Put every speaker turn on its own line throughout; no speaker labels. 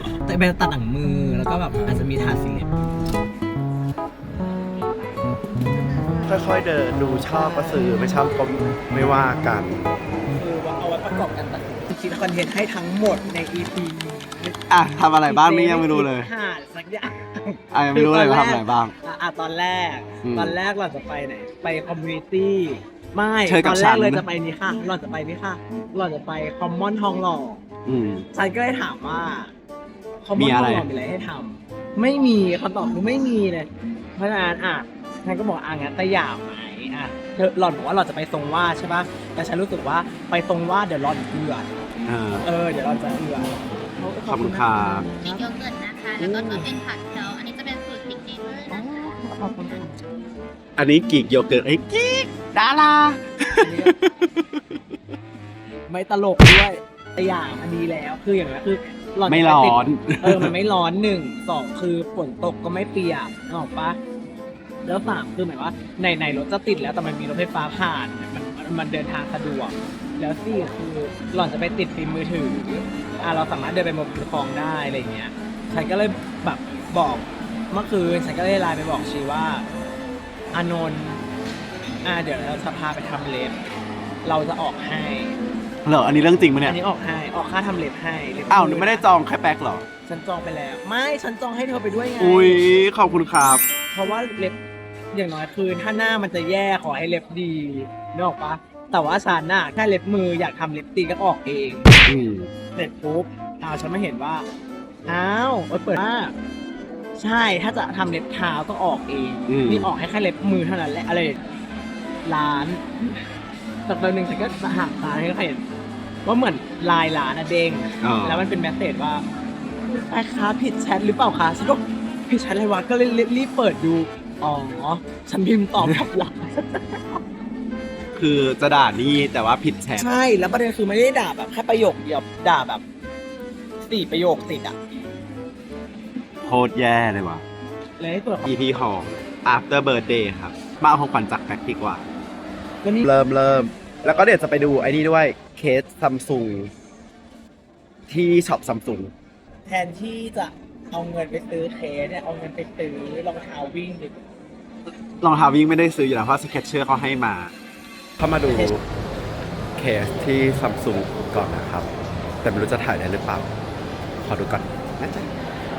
แต่เป็นตัดหนังมือแล้วก็แบบอาจจะมีทาสีเล็บ
ค่อยๆเดินดูชอบก็ซื้อไม่ชอบก็ไม่ว่ากัน
คือว่าเอาไว้ประกอบกันตัดสินคิดคอนเทนต์ให้ทั้งหมดใน EP นี้
อ่ะทำอะไรบ้างนี่ยังไม่รู้เลย
หาสักอย่าง
ยังไม่รู้เลยว่าทำอะไรบ้าง
ตอนแรก
อืม
เราจะไปไหนไปคอมมูนิตี้ไม่
เชิญกั
ต
บ
อนแร
ฉั
ก
น
เลยจะไปนี่ค่ะเราจะไปนี่ค่ะเราจะไปคอมมอนทองหล่อ
อืม
ฉันก็เลยถามว่าคอมม
มี
อนท
อะ
อง
ไร
หล่อมีอะไรให้ทำไม่มีคำตอบคือไม่มีเลยเพราะฉะนั้นฉันก็บอกงั้นแต่อยากไหมเธอหล่อนบอกว่าเราจะไปทรงวาดใช่ปะแต่ฉันรู้สึกว่าไปทรงวาดเดี๋ยวหล่อนเอือด เดี๋ยวเราจะเอือด
ขอบคุณครับ
มีโยเกิร์ตนะคะ แล้วก็ตัวเป็นผักเคียวอันนี้จะเป็นสูตรพริกเองเลยนะคะ
ขอบคุณค่ะ
อันนี้กีกโยเกิร์ตไอ้กีกดารา
ไม่ตลกด้วยแต่อย่างอันนี้แล้วคืออย่างนี้คือหล่อน
ไม่ร้อน
มันไม่ร้อน1 2คือฝนตกก็ไม่เปียกนึกออกปะแล้ว3คือหมายว่าในรถจะติดแล้วแต่มันมีรถไฟฟ้าผ่านมันเดินทางสะดวกแล้ว4คือหล่อนจะไปติดฟิล์มมือถือเราสามารถเดินไปบนคลองได้อะไรอย่างเงี้ยฉันก็เลยแบบบอกเมื่อคืนฉันก็เลยไลน์ไปบอกชีว่าอานนท์เดี๋ยวเราจะพาไปทำเล็บเราจะออกให้
เหรออันนี้เรื่องจริงปะเนี่
อั
ย
นนี้ออกค่าทำเล็บให้เล็บ
อ้าวไม่ได้จองแค่แป๊กเหรอ
ฉันจองไปแล้วไม่ฉันจองให้เธอไปด้วยไง
อุ้ยขอบคุณครับ
เพราะว่าเล็บอย่างน้อยคือถ้าหน้ามันจะแย่ขอให้เล็บดีนึกออกปะแต่ว่าฉันน่ะแค่เล็บมืออยากทำเล็บตีนก็ออกเอง
อืม
เสร็จปุ๊บฉันไม่เห็นว่าเปิดมากใช่ถ้าจะทำเล็บเท้าต้องออกเอง นี่ออกให้แค่เล็บมือเท่านั้นแหละอะไรร้านแต่ตอนหนึ่งฉันก็หาร้านให้เขาเห็นว่าเหมือนลายร้านเด้ง
อ๋อ
แล้วมันเป็นแมสเสจว่าแม่ค้าผิดแชทหรือเปล่าคะฉันก็ผิดแชทอะไรวะก็เลยรีบเปิดดูอ๋อฉันพิมพ์ตอบกลับหลัง
คือจะด่านี่แต่ว่าผิดแชท
ใช่แล้วประเด็นคือไม่ได้ด่าแบบแค่ประโยคเดียวด่าแบบ4 ประโยคติดอ่ะ
โคตรแย่เลยว่ะ
เลยให้ตัวจ
EP ของ After Birthday ครับ มาเอาของขวัญจากแป๊กดีกว่า
แล้วนี่
เริ่ม แล้วก็เดี๋ยวจะไปดูไอ้นี่ด้วยเคสซัมซุงที่ช็อปซัมซุง
แทนที่จะเอาเงินไปซื้อเคสเนี่ยเอาเงินไปซื้อรองเท้าวิ่งดิ
รองเท้าวิ่งไม่ได้ซื้ออยู่แล้วเพราะสเก็ตเชอร์เขาให้มา เข้ามาดูเคสที่ซัมซุงก่อนนะครับ แต่ไม่รู้จะถ่ายได้หรือเปล่า ขอดูก่อนนะจ๊ะ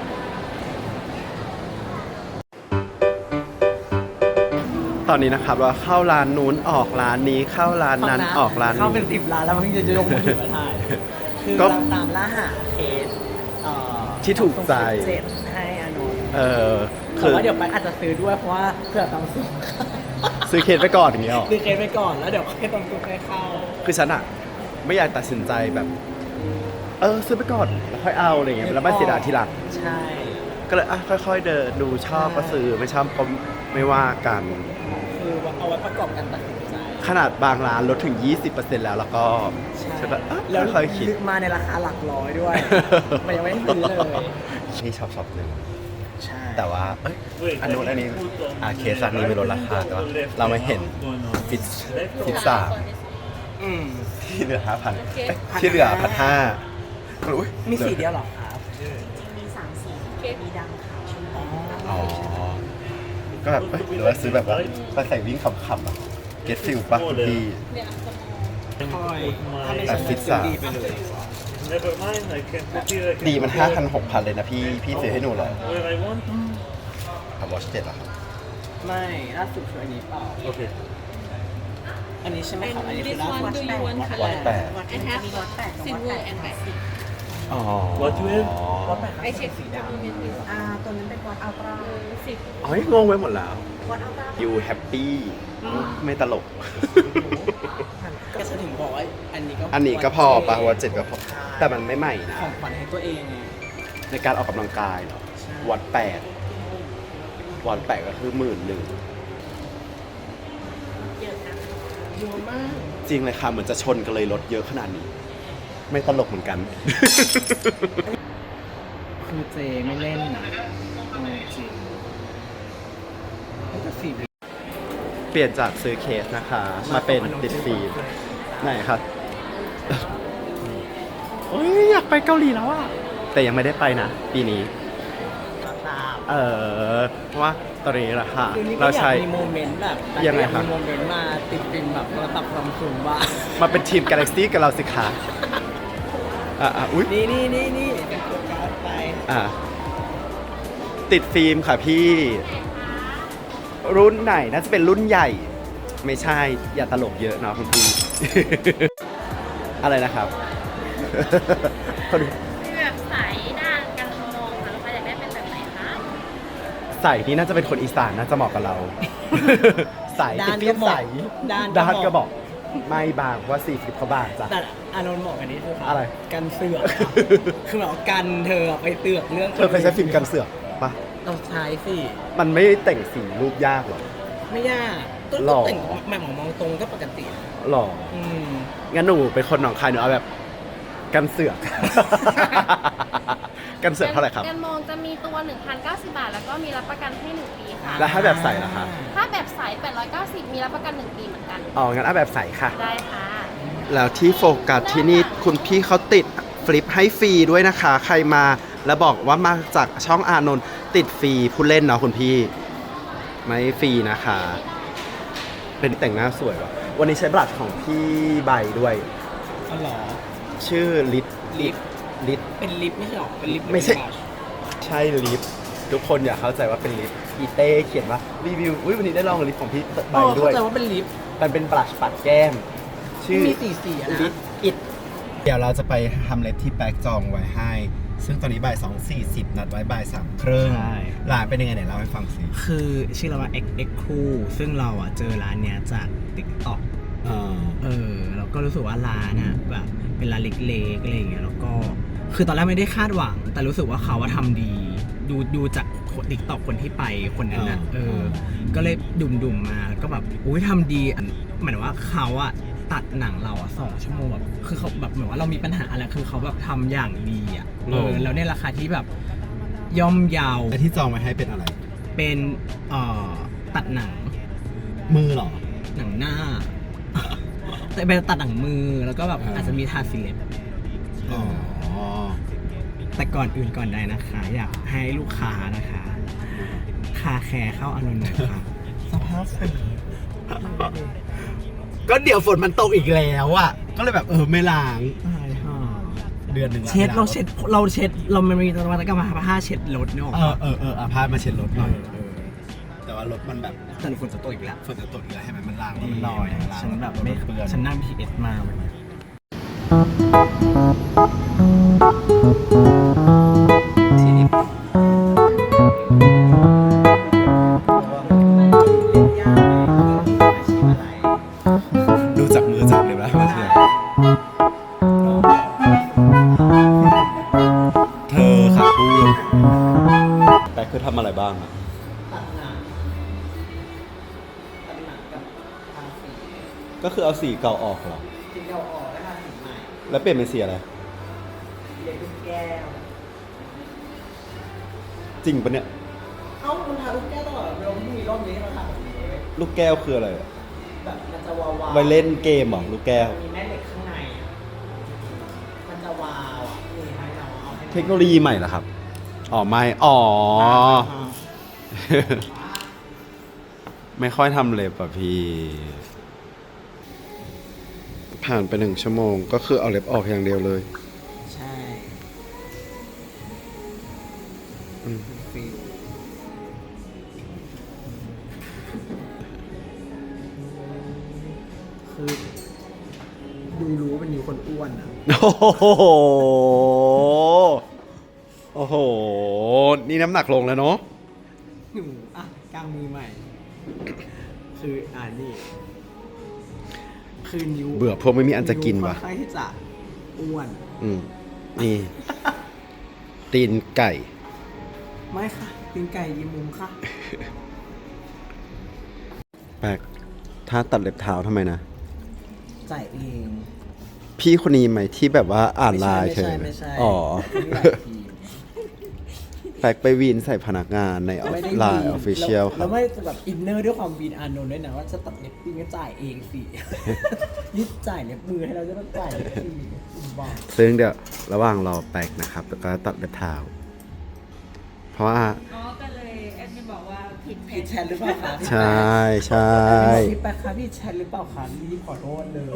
ตอนนี้นะครับว่าเข้าร้านนู้นออกร้านนี้เข้าร้านนั้นออกร้าน
เข้าเป็น
นี้
10 ล้านแล้วมันจะยกมือถือมาถ่ายคือ
ก็
เราตามล่าหาเคส
ที่ถูกใจ
เจ็ดให้อานนท์
คื
แต่
อ
ว่าเดี๋ยวไปอาจจะซื้อด้วยเพราะว่าเผื่อต้องซื้อ
ซื้อเคสไปก่อนอย่างเงี้ยหรอ
ซื้อเคสไปก่อนแล้วเดี๋ยวค่อยต้องซื้อให้เข้า
คือฉันอะไม่อยากตัดสินใจแบบ ซื้อไปก่อนแล้วค่อยเอาอะไรเงี้ยแล้วไม่เสียดายทีหลัง
ใช่
ก็เลยค่อยๆเดินดูชอบก็ซื้อไม่ชอบก็ไม่ว่ากัน
คือเอาไว้ประกอบกันตัดสินใจ
ขนาดบางร้านลดถึง 20%แล้วก็ฉันแบบ
แล้ว
ค่อยๆคิด
มาในราคาหลักร้อยด้วย มันยังไม่ได้ซื้อเลย
นี่ชอบหนึ่ง
ใช่
แต่ว่าอันนู้นอันนี้เคสอันนี้ไม่ลดราคาแต่ว่าเราไม่เห็นฟิตซ่า
อืม
ที่เหลือ 5,000ที่เหลือ 1,500อุ๊ย
มีสีเดียวเหรอครับ
มี3 สีมีดำขาวชมพู
อ๋อ ก็แบบหรือว่าซื้อแบบว่าไปใส่วิ่งขำๆอ่ะเก็ตฟิลป่ะคุณพี่
คอยถ้าไม่
แต่
ใช่
ฟิตซ่า
ดีไปเลย
Never mind, I can put it. I can
ดีมัน
put it
5,000 6,000 เลยนะพี่ซื้อให้หนูเหรอ
where I want.
ทำวอช7เหรอครับ
ไม่ล่าสุดคืออันนี้เปล่า
Okay.
อันนี้ใช่ไหมครับอันนี้คือ
This
ล่าสุด
one do you want
วัด
color?
แปด
I have silver and black
อ๋อ
What you have?
ไอเช็ค
สีดำ
ตัวนั้นเป็นวอตอัลตร้า10
อ๋องงไว้หมดแล้ว
วอตอัลตร้า
you happy ไม่ตลก
ก็จะถึงบอกว่าอันนี้ก็
อันนี้ก็พอป่ะวัด7ก็พอ แต่มันไม่ใหม่นะ
ของขวัญให้ตัวเองไง
ในการออกกำลังกายเนาะวัดวัด8ก็คือ11,000
เยอะนะ
เยอะมาก
จริงเลยค่ะเหมือนจะชนกันเลยรถเยอะขนาดนี้ ไม่ตลกเหมือนกัน
คือเจไม่เล่นจริงแต่สี
เปลี่ยนจากซื้อเคสนะคะ มาเป็นติดฟิล์มไหนครับโอ้ยอยากไปเกาหลีแล้วอ่ะแต่ยังไม่ได้ไปนะ ปีนี้
ตาม
เพราะว่าตอนนี้ราคา
คือนี่ก็
เรา
อยาก
ใช้
มีโมเมนต์แบบ
ยังไงครับ
มีโมเมนต์มาติดฟิล์มแบบโทรศัพท์ซัมซุงบ้าง
มาเป็นทีม Galaxy กับเราสิคะอุ๊ย
นี่เป็นโฟกัสไป
ติดฟิล์มค่ะพี่ รุ่นไหนน่าจะเป็นรุ่นใหญ่ ไม่ใช่ อย่าตลกเยอะเนาะคุณพี่ อะไรนะครับคน
มีแบบสายด้านกันมองค่ะลูกค้าอยากได้เป็นแบบไหนคะ
ใส่นี่น่าจะเป็นคนอีสานน่าจะเหมาะกับเรา ใส่
ด้าน
ติดฟิล์มใส
ด้าน
ด้านก็บอก ไม่บางเพราะว่า40เขาบางจ้ะ
แต่อานนท์บอกอันนี้คือ
อะไร
กันเสือกครับ คือแบบกันเธอไปเตือกเรื่อง
เธอเคยใช้ฟิล์มกันเสือกปะ
ต้องใช้สิ
มันไม่แต่งสีรูปยากหรอ
ไม่ยากก็
หล่อ
แต่งแม่หมอมองตรงก็ปกติ
หรอ
อืม
งั้นหนูเป็นคนหนองคายหนูเอาแบบกันเสือก กันเสือกเท่าไหร่ครับ
กันมองจะมีตัว 1,090 บาท แล้วก็มีรับประกันให้ 1 ปีค่ะ
แล้วถ้าแบบใส่ล่ะคะ
ถ้าแบบใส890 มีรับประกัน 1 ปีเหมือนกัน
อ๋อ งั้นเอาแบบใส่ค่ะ
ได้ค่ะ
แล้วที่โฟกัสที่นี่คุณพี่เขาติดฟลิปให้ฟรีด้วยนะคะ ใครมาแล้วบอกว่ามาจากช่องอานนท์ติดฟรีผู้เล่นเนาะคุณพี่ ไม่ฟรีนะคะ เป็นแต่งหน้าสวยว่ะ วันนี้ใช้บลัชของพี่ใบด้วย
อ๋อเหรอ
ชื่อลิป
ลิป
ลิป
เป็นลิปไม่ใช่หรอเป็นลิป
ไม่ใช่
หรือเป็นบลัช
ใช่ลิปทุกคนอย่าเข้าใจว่าเป็นลิปอีเต้เขียนว่ารีวิวอุ้ยวันนี้ได้ลองลิปของพี่ใบ
อ๋อ
ด้วย
เข้าใจว่าเป็นลิป
มันเป็นบลัชปัดแก้ม ชื่อ
มีสีอะนะ
ลิปอิดเดี๋ยวเราจะไปทำเล็บที่แป๊กจองไว้ให้ ซึ่งตอนนี้บ่าย2:40นัดไว้บ่าย3 ครึ่ง
ใช่
ร้านเป็นยังไงไหนเล่าให้ฟังสิ
คือชื่อเราว่า XX Cool ซึ่งเราอ่ะเจอร้านเนี้ยจาก TikTok เราก็รู้สึกว่าร้านอ่ะแบบเป็นร้านเล็กๆอะไรอย่างเงี้ยแล้วก็คือตอนแรกไม่ได้คาดหวัง แต่รู้สึกว่าเขาว่าทำดีดูจากติ๊กต็อกคนที่ไปคนนั้นน่ะก็เลยดุ่มมาแล้วก็แบบอุ้ยทำดีหมายถึงว่าเขาอะตัดหนังเราอะ2 ชั่วโมงแบบคือเขาแบบเหมือนว่าเรามีปัญหาอะไรคือเขาแบบทำอย่างดีอะแล้วในราคาที่แบบย่อมเยาว
และที่จองไว้ให้เป็นอะไร
เป็นตัดหนัง
มือเหรอ
หนังหน้า แต่เป็นตัดหนังมือแล้วก็แบบ
อ่า
อาจจะมีทาสีเล็บ
อ๋อ
แต่ก่อนอื่นก่อนใดนะคะ อยากให้ลูกค้านะคะ คาแคร์เข้าอานนท์หน่อยค่ะ สภาพสี
ก็เดี๋ยวฝนมันตกอีกแล้วอ่ะ ก็เลยแบบไม่ล้าง
ตายห่า
เดือนหนึ่งละ
เช็ด
ไม่
เรา
ล้าง
เช็ดเรามันมีนวัตกรรมผ้าเช็ดรถเนี่ยออกมา
เอาผ้ามาเช็ดรถหน่อยแต่ว่ารถมันแบบ
แต่ฝนจะตกอีกแล้ว
ฝนจะตกอีกแล้วให้มันล้างแล้วมันลอย
ฉันแบบไม่
เปื้อน
ฉันนั่ง PS มาวันนี้ทีนี้
ดูจากมือจับเลยนะว่าเธอค่ะพูดแต่คือทำอะไรบ้างอะ
ตัดหนังกับทาสี
ก็คือเอาสีเก่าออกเหรอ
จริงเราออกแล้วทาสีใหม่
แล้วเปลี่ยนเป็นสีอะไร
เรียนลูกแก้ว
จริงปะเนี่ย
เอ้ามันทาลูกแก้วตลอดเราไม่มีรอบนี้ให้เราทาแบบนี้เว้ย
ลูกแก้วคืออะไรอะ
แบบมันจะวาวๆ
ไว้เล่นเกมเหรอลูกแก้ว
มันมีแม่เหล็กข้างในอะมันจะวาวอ่ะนี่ให้เราเอาให้
เทคโนโลยีใหม่เหรอครับ อ๋อไม่ อ๋อ ไม่ค่อยทำเล็บอ่ะพี่ ผ่านไป1 ชั่วโมงก็คือเอาเล็บออกอย่างเดียวเลย
ใช่
อืม
ฟิลคือดูรู้ว่าเป็นนิ้วคนอ้วนอ่ะ
โอ้โห โอ้โห นี่น้ำหนักลงแล้วเนาะ
หนูอ่ะกลางมือใหม่ คือนี่ คือนิ้ว
เบื่อพวกไม่มีอันจะกินว่ะ
ค่อนข้างที่จะอ้วน
อืม นี่ ตีนไก่
ไม่ค่ะตีนไก่ยีมุมค่ะ
แปลก ถ้าตัดเล็บเท้าทำไมนะ
จ่ายเอง
พี่คนนี้ไหมที่แบบว่าอ่านไลน์เธอ
ไม่ใช่
อ๋อ
ไม่ใช่ทีม
แปลกไปวีนใส่พนักงานใน
ไม่ได้
ไลน์
วี
ออฟฟิเชียลค
แล้
รั
ว
บ
ไม่แบบอินเนอร์ด้วยความวีนอานนท์ด้วยนะว่าจะตัดเล็บปิ้งก็จ่ายเองสิ นี่จ่ายเล็บมือให้เราจะต้องจ่ายเล็บปิ้ง
ซึ่งเดี๋ยวระหว่างรอแป๊กนะครับแล้วก็ตัดเล็บเท้าเพราะว่า
อ๋อก็เลยแอดมินบอกว่าผิด
ผิดแชทหรือเปล่าคะ
ใช่ใช่
พี่แป๊กคะพี่แชทหรือเปล่าคะรีบขอโทษเลย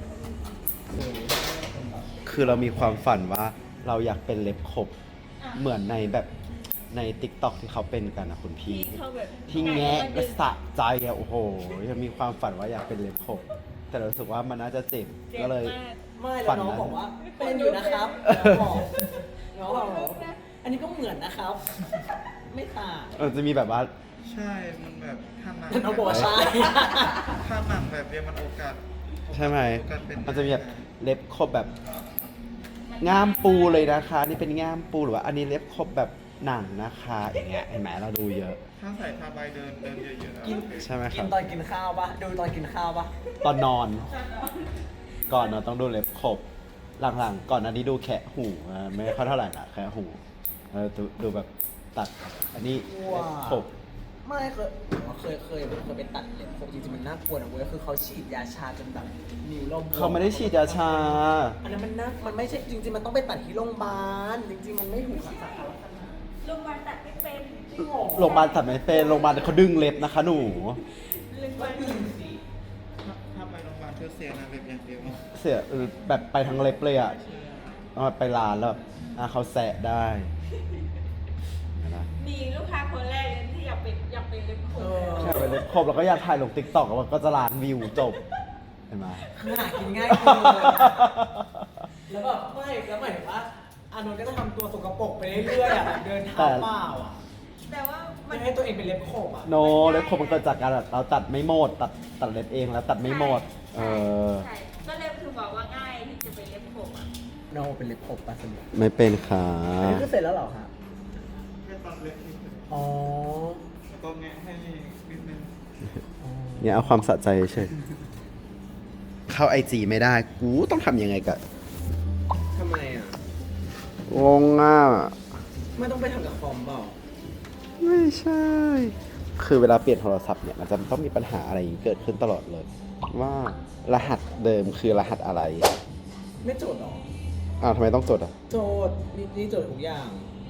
คือเรามีความฝันว่าเราอยากเป็นเล็บขบเหมือนในแบบใน TikTok ที่เขาเป็นกันนะคุณพี่
เขาแบบ
ที่แงะและสะใจอะโอ้โหยังมีความฝันว่าอยากเป็นเล็บขบแต่เรารู้สึกว่ามันน่าจะเจ็บ
เจ็บ
ก็เลย
มาก
ไม่แล้วน้องบอกว่าเป็นอยู่นะครับน้องบอกอันนี้ก็เหมือนนะครับ ไม่ต่าง
จะมีแบบว่า
ใช่ มันแบบถ้าหนัง
น้องบอกว่าใช่
ถ้าหนังแบบเนี้ยมันโอกาส
ใช่ไหม
โอกาสเป็น
มันจะมีแบบเล็บขบแบบง่ามปูเลยนะคะ นี่เป็นง่ามปูหรือว่าอันนี้เล็บขบแบบหนังนะคะอย่างเงี้ยเห็นไหมเราดูเยอะ
ถ้าใส่ผ้าใบเดินเยอะๆอะ
กิน
ใช่ไหมค
กิ
รั
น
บ
ตอนกินข้าวปะดูตอนกินข้าวปะ
ตอนนอน ก่อนนอนต้องดูเล็บขบ หลังๆ ก่อนอันนี้ดูแคะหูไม่ค่อยเท่าไหร่ละแคะหูดูแบบตัด อันนี้เล็บขบ
ไม่เคยไปตัดเล็บผมจริงๆมันน่ากลัวนะเว้ยคือเขาฉีดยาชาจนแบบนิ้วเราบว
เขาไม่ได้ฉีดยาชา
อันนั้นมันไม่ใช่จริงๆมันต้องไปตัดที่โรงพยาบาลจริงๆมันไม่ถูกค่ะ
โรงพยาบาลตัดไม่เป็น
โรงพยาบาลตัดไม่เป็นโรงพยาบาลเขาดึงเล็บนะคะหนู
โรงพยาบาล
ถ้าไปโรงพยาบาลเธอเสียนะแบบอย่างเดียว
เสียแบบไปทั้งเล็บเลยอ่ะเอาไปร้านแล้วแบบเขาแสะได้นะ
มีลูกค้าคนแรกเลยที่อยากเป็นเล็บขบ
แค่ไปเล็บขบแล้วก็อยากถ่ายลงติ๊กต็อกก็จะล้านวิวจบเห็นไหม
คือหากินง่ายเกินแล้วแบบไม่แล้วหมายถึงว่าอานนท์ก็จะทำตัวสกปรกไปเรื่อยๆอ่ะแบบเดินเท้าเปล่าอ่ะ
แต่ว่ามั
ไม่
น
ให้ตัวเองเป็นเล็บขบอ่ะ
โนเล็บขบมันเกิดจากการแบบเราตัดไม่หมดตัดเล็บเองแล้วตัดไม่หมด
ใช่ใช่ก็เลยคือบอกว่าง่ายที่จะเป็นเล็บขบอ่ะ
โนเป็นเล็บขบปะสนุก
ไม่เป็นค่ะ
อันนี้คือเสร็จแล้วเหรอคะ
แค่ตัดเล็บนิดนึง
อ๋อ
แล้วก็แงะให้นิดนึง
เนี่ยเอาความสะใจเฉยเข้าไอจีไม่ได้กูต้องทำยังไงกับ
ทำไมอ่ะ
งงอ่ะ
ไม่ต้องไปทำกับคอมเปล่า
ไม่ใช่ คือเวลาเปลี่ยนโทรศัพท์เนี่ยมันจะต้องมีปัญหาอะไรอย่างนี้เกิดขึ้นตลอดเลย ว่ารหัสเดิมคือรหัสอะไร
ไม่โจทย์หรอ
อ้าวทำไมต้องจดอ่ะ
โจทย์นี่โจทย์ทุกอย่าง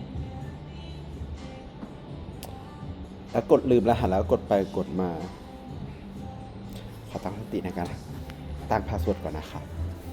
แล้วกดลืมรหัสแล้วกดไปกดมา ขอตั้งสติในการตั้งพาสเวิร์ดก่อนนะครับ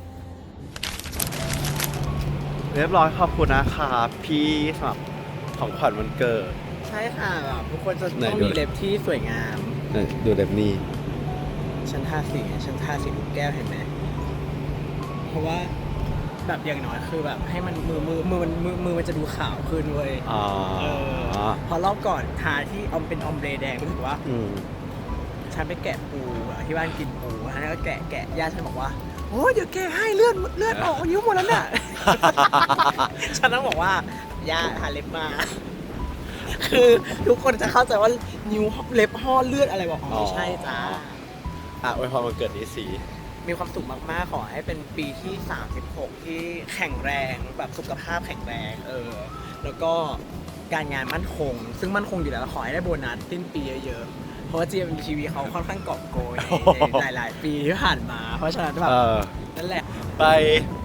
เรียบร้อยขอบคุณนะครับพี่สำหรับของขวัญวันเกิด
ใช่ค่ะแบบทุกคนจะ
ไหน
ต้อง
ดู
มีเล็บที่สวยงาม
ดูเล็บนี้
ฉันทาสีลูกแก้วเห็นไหม เพราะว่าแบบอย่างน้อยคือแบบให้มันมือมันจะดูขาวขึ้นเว้ย
อ๋อ
พอรอบก่อนทาที่เป็นออมเบรแดงรู้สึกว่า
อืม
ฉันไปแกะปูอะที่บ้านกินปูอันนั้นก็แกะย่าฉันบอกว่าโอ้ยเดี๋ยวแกะให้เลือดออกนิ้วหมดแล้วเนี่ย ฉันต้องบอกว่าย่าทาเล็บมา คือทุกคนจะเข้าใจว่านิ้วเล็บห่อเลือดอะไรบอกอ๋อไม่ใช่จ้า
อวยพรวันเกิดนี้สี
มีความสุขมากๆ ขอให้เป็นปีที่ 36 ที่แข็งแรงแบบสุขภาพแข็งแรงแล้วก็การงานมั่นคง ซึ่งมั่นคงอยู่แล้วขอให้ได้โบนัสสิ้นปีเยอะๆ เพราะว่า GMTV เขาค่อนข้างกอบโกยในหลายๆ ปีที่ผ่านมา เพราะฉะนั้นแบบนั่นแหละ
ไป